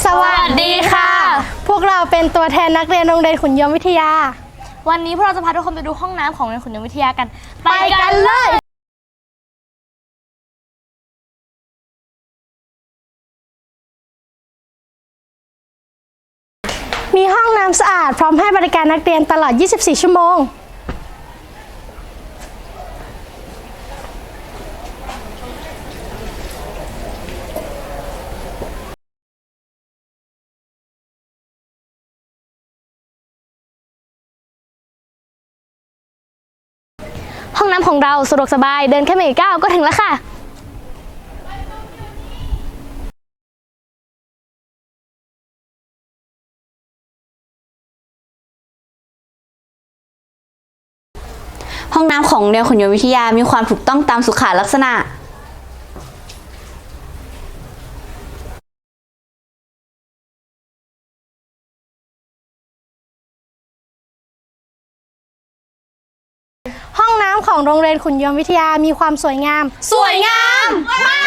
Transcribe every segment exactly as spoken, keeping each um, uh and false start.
วัสดีค่ะพวกเราเป็นตัวแทนนักเรียนโรงเรียนขุนยมวิทยาวันนี้พวกเราจะพาทุกคนไปดูห้องน้ำของโรงเรียนขุนยมวิทยากันไปกันเลยมีห้องน้ำสะอาดพร้อมให้บริการนักเรียนตลอด ยี่สิบสี่ ชั่วโมงห้องน้ำของเราสะดวกสบายเดินแค่ไม่กี่ก้าวก็ถึงแล้วค่ะห้องน้ำของโรงเรียนขุนยมวิทยามีความถูกต้องตามสุขลักษณะห้องน้ำของโรงเรียนขุนยมวิทยามีความสวยงามสวยงาม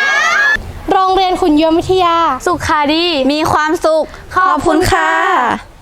โรงเรียนขุนยมวิทยาสุขาดีมีความสุขขอบคุณค่ะ